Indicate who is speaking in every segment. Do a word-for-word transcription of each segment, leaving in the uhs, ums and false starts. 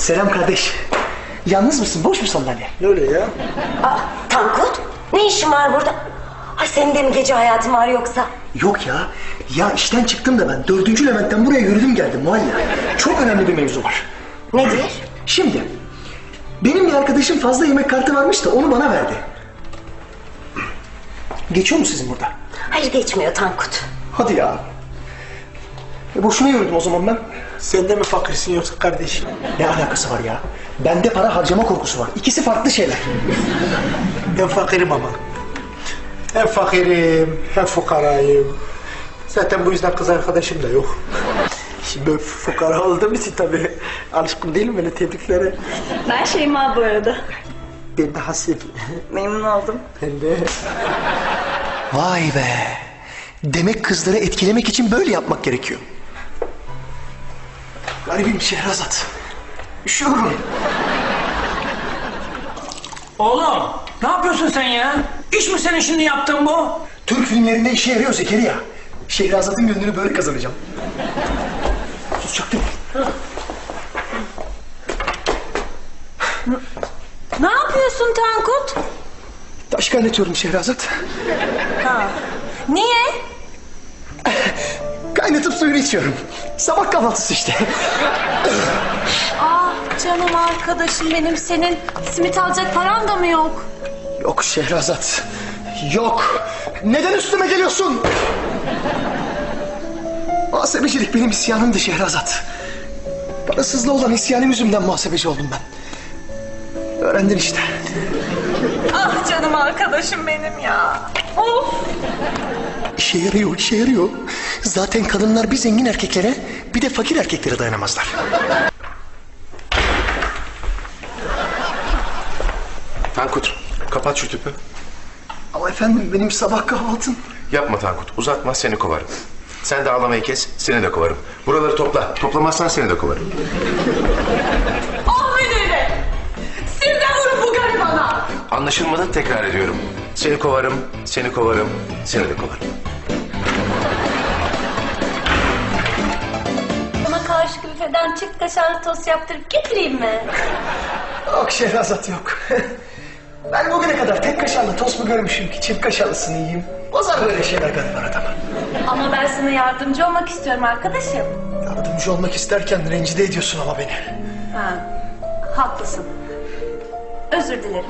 Speaker 1: Selam kardeş. Yalnız mısın? Boş mu sandalye?
Speaker 2: Ne öyle ya?
Speaker 3: Aa, Tankut, ne işin var burada? Ay senin de mi gece hayatın var yoksa?
Speaker 1: Yok ya. Ya işten çıktım da ben dördüncü Levent'ten buraya yürüdüm geldim Muhalla. Çok önemli bir mevzu var.
Speaker 3: Nedir?
Speaker 1: Şimdi benim bir arkadaşım fazla yemek kartı varmış da onu bana verdi. Geçiyor mu sizin burada?
Speaker 3: Hayır geçmiyor Tankut.
Speaker 1: Hadi ya. E boşuna yürüdüm o zaman ben.
Speaker 2: Sen de mi fakirsin yoksa kardeşim?
Speaker 1: Ne alakası var ya? Bende para harcama korkusu var. İkisi farklı şeyler.
Speaker 2: Ben fakirim ama. Hem fakirim, hem fukarayım. Zaten bu yüzden kız arkadaşım da yok. Şimdi ben fukara olduğum için tabii alışkın değilim böyle tebriklere.
Speaker 4: Ben Şeyma bu arada.
Speaker 2: Ben de Hasip.
Speaker 4: Memnun oldum.
Speaker 2: Ben de.
Speaker 1: Vay be. Demek kızları etkilemek için böyle yapmak gerekiyor. Garibim Şehrazat. Üşüyorum.
Speaker 5: Oğlum ne yapıyorsun sen ya? İş mi senin şimdi yaptığın bu?
Speaker 1: Türk filmlerinde işe yarıyor Zekeriya. Şehrazat'ın gönlünü böyle kazanacağım. Sus çaktım.
Speaker 4: Ne yapıyorsun Tankut?
Speaker 1: Taş kaynatıyorum Şehrazat.
Speaker 4: Niye?
Speaker 1: Kaynatıp suyunu içiyorum. Sabah kahvaltısı işte.
Speaker 4: Ah canım arkadaşım benim, senin simit alacak paran da mı yok?
Speaker 1: Yok Şehrazat. Yok. Neden üstüme geliyorsun? Muhasebecilik benim isyanımdı Şehrazat. Parasızlığı olan isyanım yüzümden muhasebeci oldum ben. Öğrendin işte.
Speaker 4: Ah canım arkadaşım benim ya. Of.
Speaker 1: İşe yarıyor, işe yarıyor. Zaten kadınlar bir zengin erkeklere bir de fakir erkeklere dayanamazlar.
Speaker 6: Tankut, kapat şu tüpü.
Speaker 1: Ama efendim benim sabah kahvaltım.
Speaker 6: Yapma Tankut, uzatma seni kovarım. Sen de ağlamayı kes, seni de kovarım. Buraları topla, toplamazsan seni de kovarım.
Speaker 4: Ah müdür bey. Siz de vurun bu garibana.
Speaker 6: Anlaşılmadı, tekrar ediyorum. Seni kovarım, seni kovarım, seni de kovarım.
Speaker 4: Bana karşı büfeden çift kaşarlı tost yaptırıp getireyim mi?
Speaker 1: Yok Şehrazat yok. Ben bugüne kadar tek kaşarlı tost mu görmüşüm ki çift kaşarlısını yiyeyim. Bozar böyle şeyler gariban adamı.
Speaker 4: Ama ben sana yardımcı olmak istiyorum arkadaşım.
Speaker 1: Yardımcı olmak isterken rencide ediyorsun ama beni.
Speaker 4: Ha, haklısın. Özür dilerim.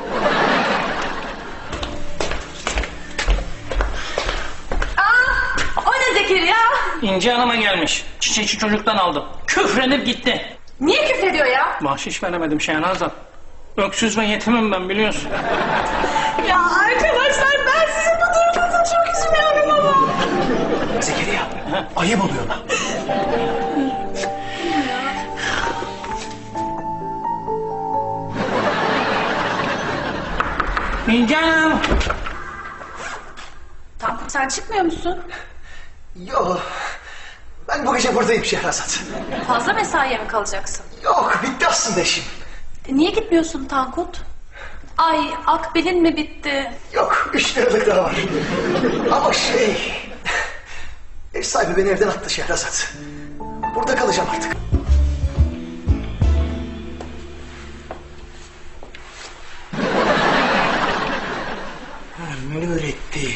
Speaker 4: Aa, o ne Zekeriya?
Speaker 5: İnci Hanım'a gelmiş. Çiçekçi çocuktan aldım. Küfrenip gitti.
Speaker 4: Niye küfrediyor ya?
Speaker 5: Bahşiş veremedim Şehnazat. Öksüz ve yetimim ben biliyorsun.
Speaker 4: Ya arkadaşlar ben sizin bu durumunuzda çok üzülüyorum ama.
Speaker 1: Zekeriya, ayıp oluyor lan.
Speaker 5: İnci Hanım.
Speaker 4: Tankut sen çıkmıyor musun?
Speaker 1: Yok, ben bu gece buradayım Şehrazat.
Speaker 4: Fazla mesaiye mi kalacaksın?
Speaker 1: Yok, bitti aslında işim.
Speaker 4: E, niye gitmiyorsun Tankut? Ay akbilin mi bitti?
Speaker 1: Yok, üç liralık daha var. Ama şey... Ev sahibi beni evden attı Şehrazat. Burada kalacağım artık.
Speaker 2: Ne öğretti?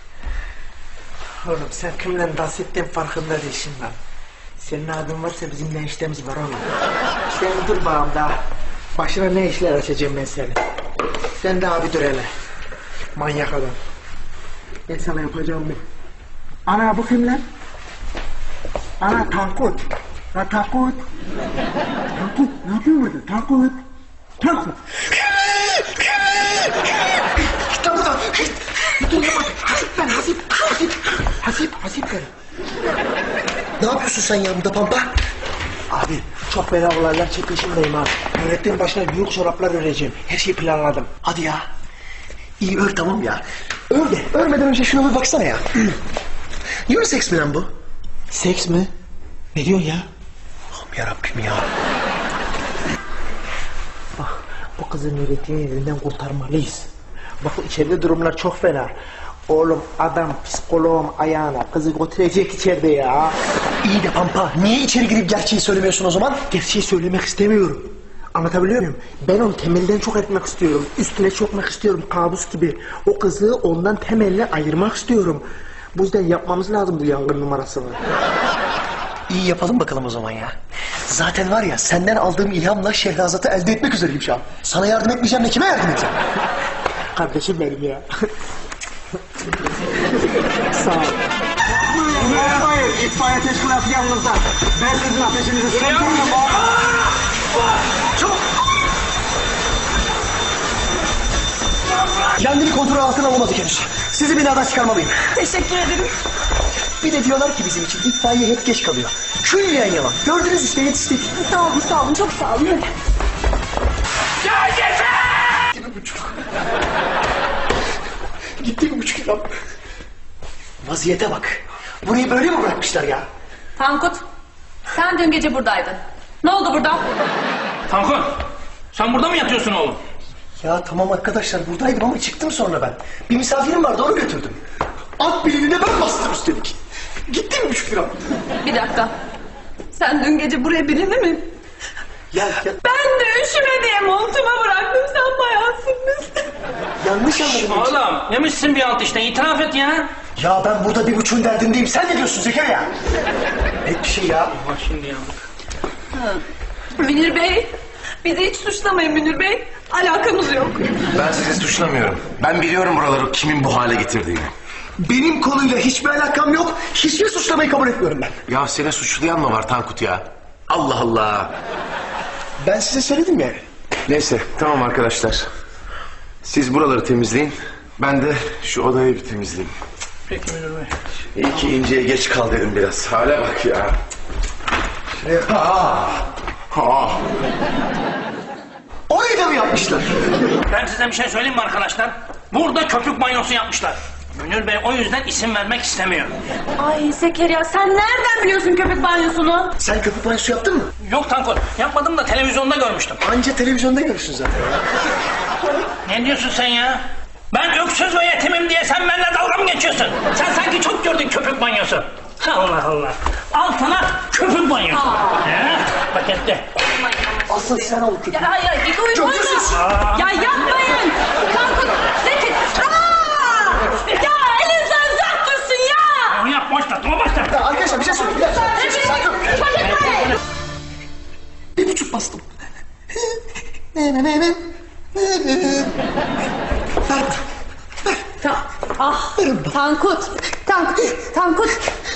Speaker 2: Oğlum sen kimle dans ettiğin farkında değilsin lan. Senin adın varsa bizim ne işlerimiz var oğlum. Sen dur bağım daha. Başına ne işler açacağım ben seni. Sen de abi dur hele. Manyak adam. Ben sana yapacağım bu. Ana bu kim lan? Ana Tankut. La Tankut. Tankut ne yapıyorsun burada? Tankut. Tankut. Git lan buradan. Git. Dur yapma. Hasip ben Hasip. Hasip. Hasip. Hasip ben.
Speaker 1: Ne yapıyorsun sen ya burada Pampa?
Speaker 2: Abi çok fena olaylar çekişimdeyim ha. Öğrettiğin başına büyük çoraplar öreceğim. Her şeyi planladım.
Speaker 1: Hadi ya. İyi ör tamam ya. Ör de. Örmeden önce şuna bir baksana ya. Unisex mi lan bu?
Speaker 2: Seks mi? Ne diyorsun ya?
Speaker 1: Allah'ım yarabbim ya.
Speaker 2: Bak bu kızın öğrettiğini elinden kurtarmalıyız. Bak içeride durumlar çok fena. Oğlum adam psikoloğum ayağına kızı götürecek içeride ya.
Speaker 1: İyi de Pampa niye içeri girip gerçeği söylemiyorsun o zaman?
Speaker 2: Gerçeği söylemek istemiyorum. Anlatabiliyor muyum? Ben onu temelden çok etmek istiyorum. Üstüne çökmek istiyorum kabus gibi. O kızı ondan temelli ayırmak istiyorum. Bu yüzden yapmamız lazım bu yangın numarasını.
Speaker 1: İyi yapalım bakalım o zaman ya. Zaten var ya senden aldığım ilhamla Şehrazat'ı elde etmek üzereyim şu an. Sana yardım etmeyeceğim de kime yardım edeceğim?
Speaker 2: Kardeşim benim ya. Sağ ol. Hayır, itfaiye teşkilatı yanınızda. Ben sizin ateşinizi söndürürüm.
Speaker 1: Çabuk! Yangını kontrol altına alamadık henüz. Sizi binadan çıkarmalıyım.
Speaker 4: Teşekkür ederim.
Speaker 1: Bir de diyorlar ki bizim için itfaiye hep geç kalıyor. Külliyen yalan. Gördünüz işte yetiştik.
Speaker 4: Sağ olun, sağ olun. Çok sağ olun. Hadi.
Speaker 5: Ya yeter!
Speaker 1: Gitti bir buçuk. Gitti bir buçuk lira. Vaziyete bak. Burayı böyle mi bırakmışlar ya?
Speaker 4: Tankut, sen dün gece buradaydın. Ne oldu burada?
Speaker 5: Tankut, sen burada mı yatıyorsun oğlum?
Speaker 1: Ya tamam arkadaşlar buradaydım ama çıktım sonra ben. Bir misafirim vardı onu götürdüm. At bilini de ben bastım üstelik. Gitti mi buçuk lira?
Speaker 4: Bir dakika. Sen dün gece buraya birini mi?
Speaker 1: Ya, ya
Speaker 4: Ben de üşüme diye montuma bıraktım. Sen bayansın.
Speaker 1: yanlış anladım.
Speaker 5: Oğlum, yemişsin bir alt işte, itiraf et ya.
Speaker 1: Ya ben burada bir buçuğun derdindeyim. Sen ne diyorsun Zekeriya? Net bir şey ya.
Speaker 5: Bak şimdi yandık.
Speaker 4: Münir Bey, bizi hiç suçlamayın Münir Bey. Alakamız yok.
Speaker 6: Ben sizi suçlamıyorum. Ben biliyorum buraları kimin bu hale getirdiğini.
Speaker 1: Benim konuyla hiçbir alakam yok. Hiçbir suçlamayı kabul etmiyorum ben.
Speaker 6: Ya seni suçlayan mı var Tankut ya? Allah Allah.
Speaker 1: Ben size söyledim ya.
Speaker 6: Neyse tamam arkadaşlar. Siz buraları temizleyin. Ben de şu odayı bir temizleyeyim.
Speaker 5: Peki Münir Bey.
Speaker 6: İyi ki İnce'ye geç kal dedim biraz. Hale bak ya.
Speaker 1: Şuraya... Ha. Ha. Orayı da mı yapmışlar?
Speaker 5: Ben size bir şey söyleyeyim mi arkadaşlar? Burada köpük banyosu yapmışlar. Münir Bey o yüzden isim vermek istemiyor.
Speaker 4: Ay Zekeriya, sen nereden biliyorsun köpek banyosunu?
Speaker 1: Sen köpük banyosu yaptın mı?
Speaker 5: Yok Tankut, yapmadım da televizyonda görmüştüm.
Speaker 1: Anca televizyonda görürsün zaten.
Speaker 5: Ne diyorsun sen ya? Ben öksüz ve yetimim diye sen benimle dalga mı geçiyorsun? Sen sanki çok gördün köpük banyosu. Allah Allah. Al sana köpük banyosu. He? Pakette.
Speaker 1: Asıl sen ol köpük.
Speaker 4: Ya ya git uyuma.
Speaker 1: Çok yüzsüz.
Speaker 4: Ya yapmayın. Tankut, Zeki. Aa! Ya elinizden uzak dursun ya.
Speaker 5: Onu yap başla, dur başla.
Speaker 1: Ya arkadaşlar bir şey söyleyeyim. Bir dakika. Bir şey sakin ol. Bir buçuk bastım. Ne ne ne ne. Ver.
Speaker 4: Ta ah, Tankut, Tankut, Tankut.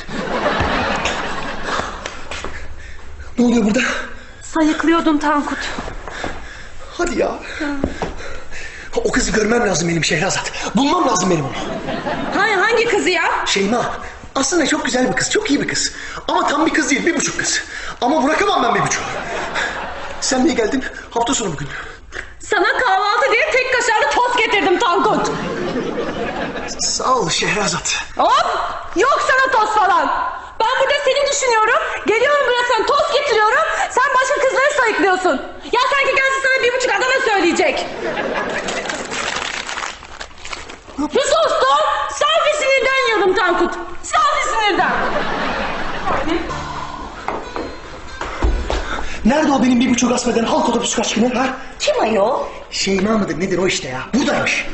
Speaker 1: Ne oluyor burada?
Speaker 4: Sayıklıyordum Tankut.
Speaker 1: Hadi ya. O kızı görmem lazım benim Şehrazat. Bulmam lazım benim onu.
Speaker 4: Hangi, hangi kızı ya?
Speaker 1: Şeyma. Aslında çok güzel bir kız. Çok iyi bir kız. Ama tam bir kız değil. Bir buçuk kız. Ama bırakamam ben bir buçuğu. Sen niye geldin? Hafta sonu bugün.
Speaker 4: Sana kahvaltı diye tek kaşarlı tost getirdim Tankut.
Speaker 1: Sağ ol Şehrazat.
Speaker 4: Hop! Yok sana tost falan. Ben burada seni düşünüyorum. Geliyorum buraya sana tost getiriyorum. Sen başka kızları sayıklıyorsun. Ya sanki gelsin sana bir buçuk adama söyleyecek. Bir sustum. Safi sinirden yiyordum Tankut. Safi sinirden.
Speaker 1: Nerede o benim bir buçuk asmeden halk otobüsü kaçkını ha?
Speaker 3: Kim ayol?
Speaker 1: Şeyma mıdır nedir o işte ya? Buradaymış.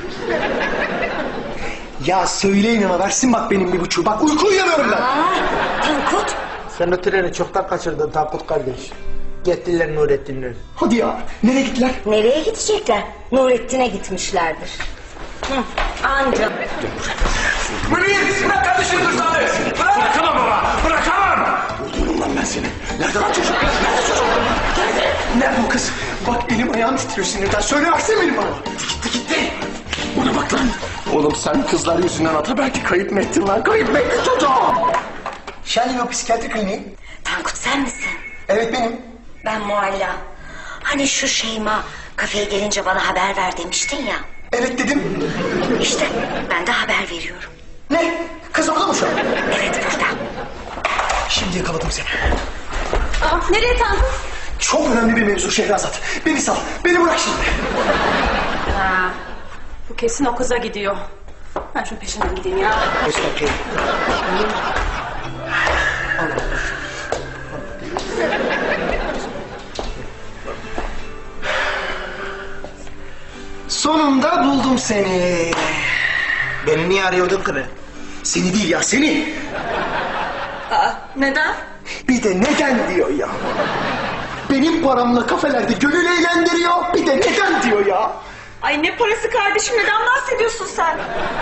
Speaker 1: Ya söyleyin ama versin bak benim bir buçuğu. Bak uyku uyuyamıyorum ben.
Speaker 3: Tankut.
Speaker 2: Sen o treni çoktan kaçırdın Tankut kardeş. Gittiler Nurettin'le.
Speaker 1: Hadi ya. Nereye gittiler?
Speaker 3: Nereye gidecekler? Nurettin'e gitmişlerdir. Hı, anca.
Speaker 1: Münir! Bırak kardeşim kızları! Bırak!
Speaker 5: Bırakamam baba, bırakamam.
Speaker 1: Öldürürüm lan ben seni. Nerede lan çocuk? Nerede çocuk? Nerede? Nerede o kız? Bak elim ayağım titriyor sinirden. Söyle versene benim bana. Gitti gitti. Buna bak lan. Oğlum sen kızlar yüzünden ata belki kayıp mı ettin lan? Kayıp mı ettin çocuğu? Şenli o psikiyatri kliniği.
Speaker 3: Tankut sen misin?
Speaker 1: Evet benim.
Speaker 3: Ben Mualla. Hani şu Şeyma kafeye gelince bana haber ver demiştin ya.
Speaker 1: Evet dedim.
Speaker 3: İşte ben de haber veriyorum.
Speaker 1: Ne? Kız orada mı şu an?
Speaker 3: Evet burada.
Speaker 1: Şimdi yakaladım seni.
Speaker 4: Aa, nereye Tankut?
Speaker 1: Çok önemli bir mevzu Şehrazat. Beni sal. Beni bırak şimdi.
Speaker 4: Ha, bu kesin o kıza gidiyor. Ben şunun peşinden gideyim ya.
Speaker 2: Geç bakayım.
Speaker 1: Sonunda buldum seni.
Speaker 2: Beni niye arıyordun kırı?
Speaker 1: Seni değil ya, seni.
Speaker 4: Aa, neden?
Speaker 1: Bir de neden diyor ya. Benim paramla kafelerde gönül eğlendiriyor. Bir de neden diyor ya.
Speaker 4: Ay ne parası kardeşim, neden bahsediyorsun sen?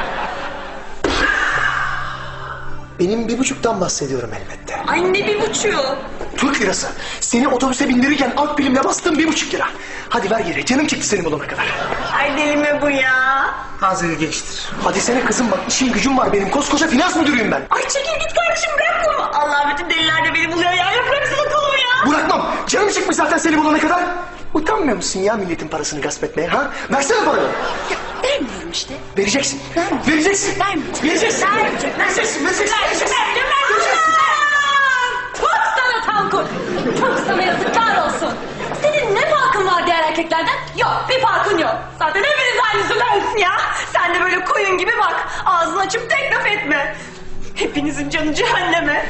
Speaker 1: Benim bir buçuktan bahsediyorum elbette.
Speaker 4: Ay ne bir buçuğu?
Speaker 1: Türk lirası. Seni otobüse bindirirken akbilimle bastım bir buçuk lira. Hadi ver geri. Canım çıktı seni bulana kadar.
Speaker 4: Ay deli mi bu ya?
Speaker 2: Az ilginçtir.
Speaker 1: Hadi sene kızım bak, işim gücüm var benim. Koskoca finans müdürüyüm ben.
Speaker 4: Ay çekil git kardeşim, bırak kolumu. Allah, bütün deliler de beni buluyor ya. Ya bıraksana kolumu ya.
Speaker 1: Bırakmam. Canım çıkmış zaten seni bulana kadar. Utanmıyor musun ya milletin parasını gasp etmeye ha? Versene paranı.
Speaker 4: Vermiyorum işte.
Speaker 1: Vereceksin. Vereceksin.
Speaker 4: Vermeyeceğim.
Speaker 1: Vereceksin.
Speaker 4: Vermeyeceğim.
Speaker 1: Vereceksin. Vereceksin.
Speaker 4: Vermeyeceğim. Vermeyeceğim. Çok sana Tankut. Çok sana yazıklar olsun. Senin ne farkın var diğer erkeklerden? Yok, bir farkın yok. Zaten hepiniz aynı sülalsin ya. Sen de böyle koyun gibi bak. Ağzını açıp tek laf etme. Hepinizin canı cehenneme.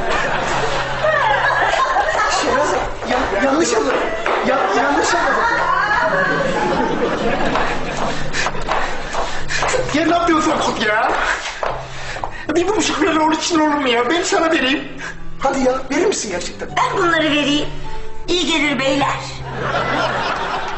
Speaker 1: Şeraz, ya, yanlış anladım. Ya, yanlış anladım. Ya ne yapıyorsun Kut ya? Bir buçuk lira onun için olur mu ya? Ben sana vereyim. Hadi ya, verir misin gerçekten?
Speaker 3: Ben bunları vereyim. İyi gelir beyler.